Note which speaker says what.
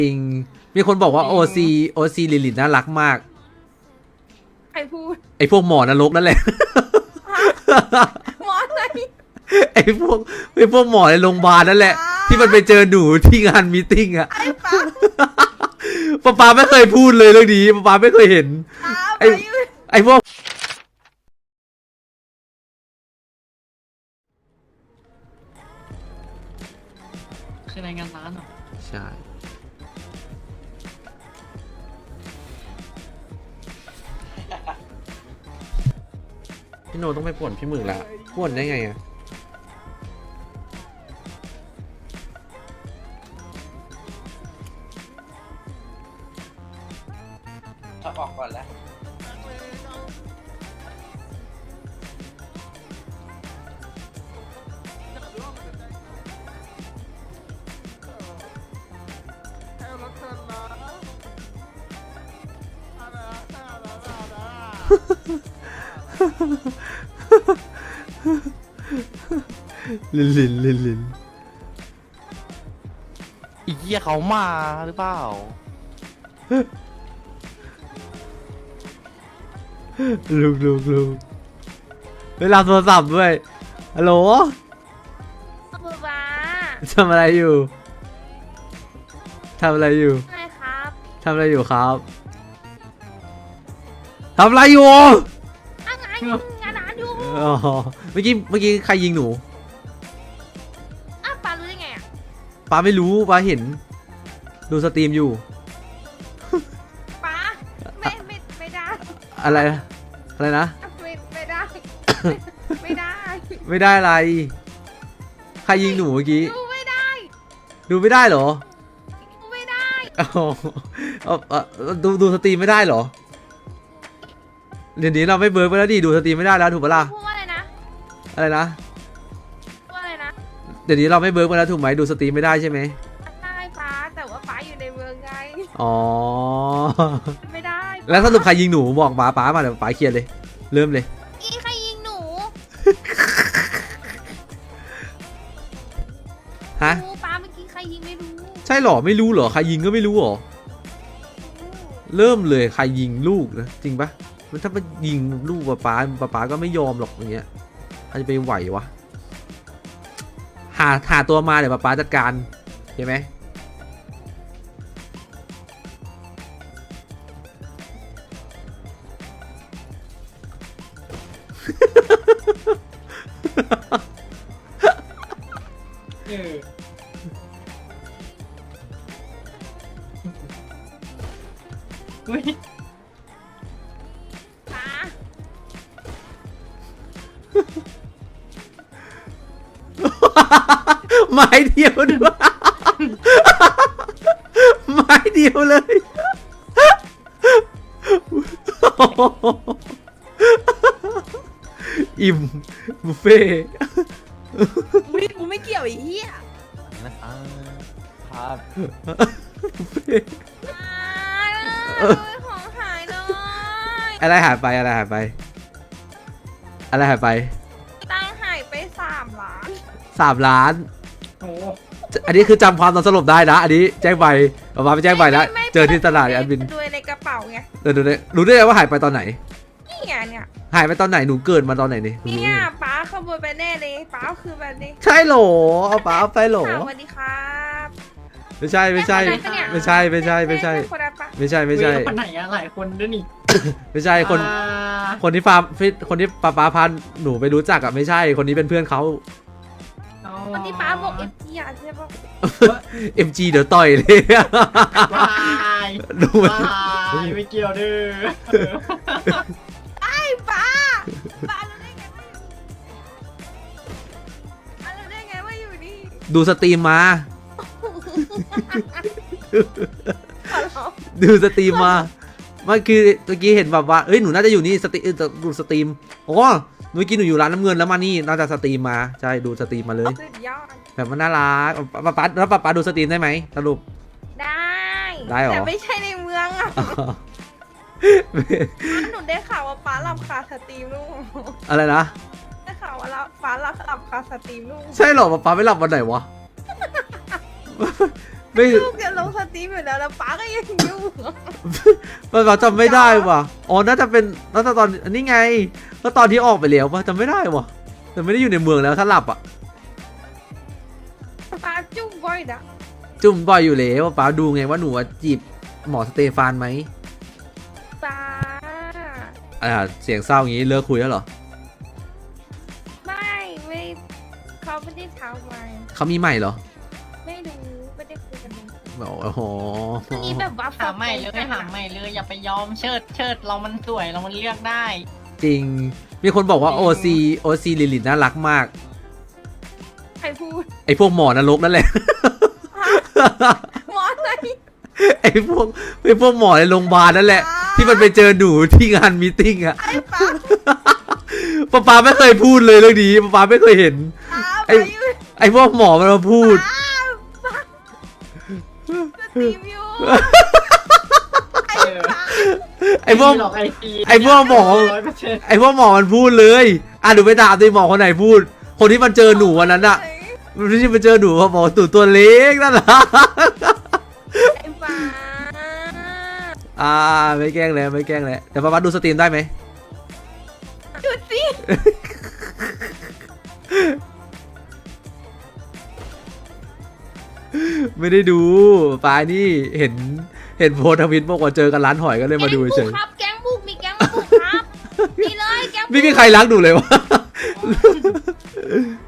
Speaker 1: จริงมีคนบอกว่าโอซีลิลินน่ารักมาก
Speaker 2: ใครพูด
Speaker 1: ไอพวกหมอนรกนั่นแหละ
Speaker 2: หมออะไร
Speaker 1: ไอพวกหมอในโรงพยาบาลนั่นแหละที่มันไปเจอหนูที่งานมีตติ้งอะ
Speaker 2: ไอ้ป้า
Speaker 1: ป๊าไม่เคยพูดเลยเรื่องนี้ป๊าไม่เคยเห็นไอพวก
Speaker 3: คือรายงานร้านเหรอ
Speaker 1: ใช่พี่โนต้องไปป่วนพี่หมึกละป่วนได้ไงอะ
Speaker 4: ถ้าออกก่อนแล้ว
Speaker 1: ลิน
Speaker 3: อีเหี้ยเขามาหรือเปล่า
Speaker 1: ลูกเวลาโทรศัพท์ด้วยฮัลโหล
Speaker 2: ป้า
Speaker 1: ทำอะไรอยู่
Speaker 2: ไงครับ
Speaker 1: ทำอะไรอยู่ครับทำอะไรอยู่
Speaker 2: อะไรงานร้านอยู่
Speaker 1: อ๋อเมื่อกี้ใครยิงหนู
Speaker 2: ป้ารู้ได้ไงอ่ะ
Speaker 1: ป้าไม่รู้ป้าเห็นดูสตรีมอยู่
Speaker 2: ป้าไม่ได้
Speaker 1: อะไรนะ
Speaker 2: ไม่ได้ไม่
Speaker 1: ได้อะไรใครยิงหนูเมื่อกี้
Speaker 2: ดูไม่ได้
Speaker 1: เหรอ
Speaker 2: ไม่ได้
Speaker 1: ดูสตรีมไม่ได้เหรอเดี๋ยวนี้เราไม่เบิร์กไปแล้วดิดูสตรีมไม่ได้แล้วถูกปะล่ะ
Speaker 2: พูดว่าอะไรนะ
Speaker 1: พูด
Speaker 2: อะไรนะ
Speaker 1: เดี๋ยวนี้เราไม่เบิร์กไปแล้วถูกไหมดูสตรีมไม่ได้ใช่ไหม
Speaker 2: ได้ป้าแต่ว่าป้าอยู่ในเมืองไง
Speaker 1: อ๋อ
Speaker 2: ไม่ได้
Speaker 1: แล้วสรุปใครยิงหนูบอกป้ามาเดี๋ยวป้าเคลียร์เลยเริ่มเลย
Speaker 2: ใครยิงหนู
Speaker 1: ฮะ
Speaker 2: ป้าเมื่อกี้ใครยิงไม่รู้
Speaker 1: ใช่หรอไม่รู้หรอใครยิงก็ไม่รู้หรอเริ่มเลยใครยิงลูกนะจริงปะมันถ้าไปยิงลูกป้าก็ไม่ยอมหรอกอย่างเงี้ยใครจะไปไหววะหาตัวมาเดี๋ยวป้าจัดการเห็นไหม
Speaker 3: อุ้ย
Speaker 2: ป้า
Speaker 1: ไม้เดียวด้วยไม้เดียวเลยอิ่มบุฟเฟ่
Speaker 2: กูไม่เกี่ยวไอ้เหี้ย
Speaker 3: นะครับ
Speaker 1: บุฟเฟ่
Speaker 2: ของหายเลย
Speaker 1: อะไรหายไปตังค์หายไป3 ล้าน
Speaker 3: โอ้
Speaker 1: อันนี้คือจำความตอนสลบได้นะอันนี้แจ้งใบมาไปแจ้งใบแล้วเจอที่ตลาดแอดมิน
Speaker 2: ดูในกระเป๋าไง
Speaker 1: รู้ได้ไงว่าหายไปตอนไหน
Speaker 2: นี่ไงเนี่ย
Speaker 1: หายไปตอนไหนหนูเกิดมาตอนไหนนี่
Speaker 2: เนี่ยป้าขโมยไปแน่เลยป้าคือแบบนี้
Speaker 1: ใช่หรอเอาป้าไปหรอ
Speaker 2: สวัสดีครับ
Speaker 1: ไม่ใช่คนไหนอะห
Speaker 3: หลายคนด้วยนี่
Speaker 1: ไม่ใช่คนที่ป้าพาหนูไปรู้จักอะไม่ใช่คนนี้เป็นเพื่อนเขา
Speaker 2: คนที่ป้าบอกMGอะใช่ปะ
Speaker 1: MG เดี๋ยวต่อยเลยดู
Speaker 3: ไม่เกี่ยวเด้อ
Speaker 2: ไอ้ป้ารู้ได้ไงว่าอยู่นี่
Speaker 1: ดูสตรีมมามันคือเมื่อกี้เห็นแบบว่าเอ้ยหนูน่าจะอยู่นี่ดูสตรีมโอ้เมื่อกี้หนูอยู่ร้านน้ำเงินแล้วมานี่น่าจะสตรีมมาใช่ดูสตรีมมาเลยแบบมันน่ารักป้าดูสตรีมได้ไหมสรุปได้หรอ
Speaker 2: แต่ไม่ใช่ในเมืองอ่ะหนูได้ข่าวว่าป้าหลับคาสตรีมลูก
Speaker 1: อะไรนะ
Speaker 2: ได้ข่าวว่าป้าหลับคาสตรีมลูก
Speaker 1: ใช่หรอป้าไม่หลับวันไหนวะไม่
Speaker 2: ลูกจะลงสตรีมอยู่แล้วแล้วป้าก็ยังอยู่
Speaker 1: มันเราจำไม่ได้ว่ะอ๋อน่าจะตอนอันนี้ไงก็ตอนที่ออกไปแล้วป่ะจำไม่ได้ว่ะแต่ไม่ได้อยู่ในเมืองแล้วถ้าหลับอ่ะ
Speaker 2: ป้าจุ้งบ่อยนะ
Speaker 1: จุ่มบ่อยอยู่แล้วป้าดูไงว่าหนูจีบหมอสเตฟานไหม
Speaker 2: ป้า
Speaker 1: เสียงเศร้าอย่างนี้เลิกคุยแล้วเหรอ
Speaker 2: ไม่เขาไม่ได้ทำไว้
Speaker 1: เขามีใหม่เหรอ
Speaker 2: ไม่รู้ไม่ได้คุยกันเลย
Speaker 1: โอ้โห
Speaker 2: อันนี้แบบว่า
Speaker 5: หาใหม่เลยหาใหม่เลยอย่าไปยอมเชิดเรามันสวยเรามันเลือกได้
Speaker 1: จริง มีคนบอกว่าโอซีลิลินน่ารักมาก
Speaker 2: ใครพูด
Speaker 1: ไอพวกหมอนรกนั่นแหละ
Speaker 2: หมอไหน
Speaker 1: ไอพวกหมอในโรงพยาบาลนั่นแหละ ที่มันไปเจอหนูที่งานมีตติ้งอะ
Speaker 2: ไอ้ป้า
Speaker 1: ป๊าไม่เคยพูดเลยเรื่องนี้ป๊าไม่เคยเห็น
Speaker 2: ไอ้อยู่
Speaker 1: ไอพวกหมอมันมาพูด
Speaker 2: สตรีมอยู่ไอ้ป้า
Speaker 1: ไอพวก
Speaker 3: หลอก
Speaker 1: ไอ้พวกหมอ
Speaker 3: 100%
Speaker 1: ไอพวกหมอมันพูดเลยหนูไปถามดิหมอคนไหนพูด คนที่มันเจอหนูวันนั้นอะที่มันเจอหนูเขาบอกตู่ตัวเล็กนั่นแหละ
Speaker 2: ไอ้ป้า
Speaker 1: ไม่แกล้งแล้วไม่แกล้งแล้วแต่ป๊าดูสตรีมได้ไหม
Speaker 2: หยุดสิ
Speaker 1: ไม่ได้ดูป้านี่เห็นโพสต์ทวิตบอกว่าเจอกันร้านหอยก็เลยมาดูเฉย
Speaker 2: ครับแก๊งบุกมีแก๊งบุกครับนี่เลยแก๊งบุก
Speaker 1: ไม่มีใครรักหนูเลยวะ